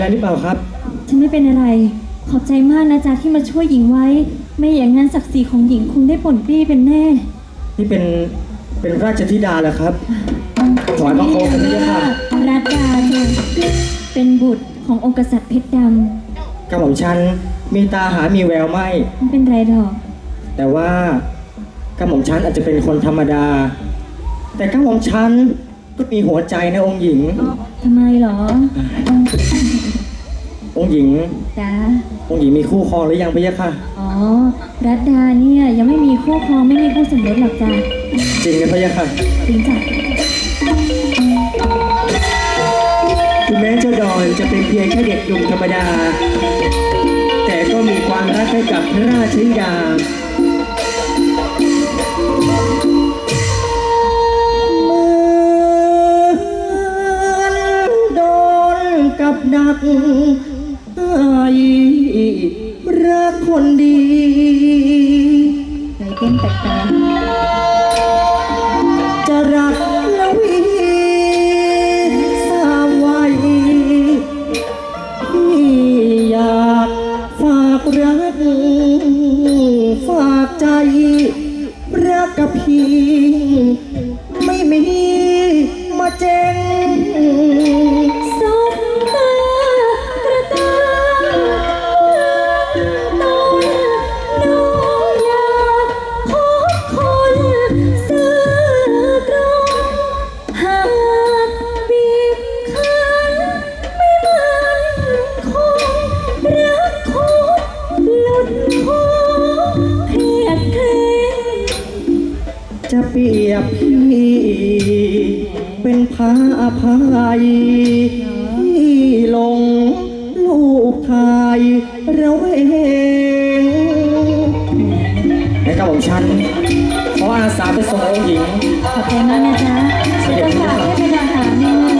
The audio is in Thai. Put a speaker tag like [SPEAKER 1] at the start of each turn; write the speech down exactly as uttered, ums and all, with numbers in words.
[SPEAKER 1] หรือเปล่าครับ
[SPEAKER 2] ฉันไม่เป็นอะไรขอบใจมากนะจ๊ะที่มาช่วยหญิงไว้ไม่อย่างนั้นศักดิ์ศรีของหญิงคงได้ป่นปี้เป็นแน่
[SPEAKER 1] นี่เป็นเป็นราชธิดาเหรอครับถอยบังคมกันนี่ค่ะ
[SPEAKER 2] รัตดาเธอเป็นบุตรขององค์กษัตริย์เพชรดำ
[SPEAKER 1] กระหม่อมฉันมีตาหามีแววไม่
[SPEAKER 2] ไม่เป็นไรหรอก
[SPEAKER 1] แต่ว่ากระหม่อมฉันอาจจะเป็นคนธรรมดาแต่กระหม่อมฉันก็มีหัวใจนะองค์หญิง
[SPEAKER 2] ทำไมหรอ
[SPEAKER 1] องค์หญิง
[SPEAKER 2] จ้า
[SPEAKER 1] องค์หญิงมีคู่ครองหรือยังพี่ยะค่ะ
[SPEAKER 2] อ๋อรัตดาเนี่ยยังไม่มีคู่ครองไม่มีคู่สมรสหรอกจ้า
[SPEAKER 1] จริงนะพี่ยะค่ะ
[SPEAKER 2] จริงจ้ะ
[SPEAKER 1] ถึงแม้เจ้าดอนจะเป็นเพียงแค่เด็กหนุ่มธรรมดาแต่ก็มีความรักให้กับพระราชธิดากับดักรักคนดี
[SPEAKER 2] ใจเต้นแปลก
[SPEAKER 1] ๆจะรักละวีสามวัยพี่อยากฝากรักฝากใจรักกับพี่ไม่มีมาเจง
[SPEAKER 2] สมตากระตาต้นน้องอยากพบคนซื่อตรงหากบีบคั้นไม่มันคงรักคงหลุดคอเพียดเพลง
[SPEAKER 1] จะเปรียบพี่เป็นพระอภัยที่ลงลูกชายเราเองในกระบอกฉันขออาสาไปส่งองค์หญิง
[SPEAKER 2] ขอบใจมากนะจ๊ะจะฝากให้ไปรอหาในเมือง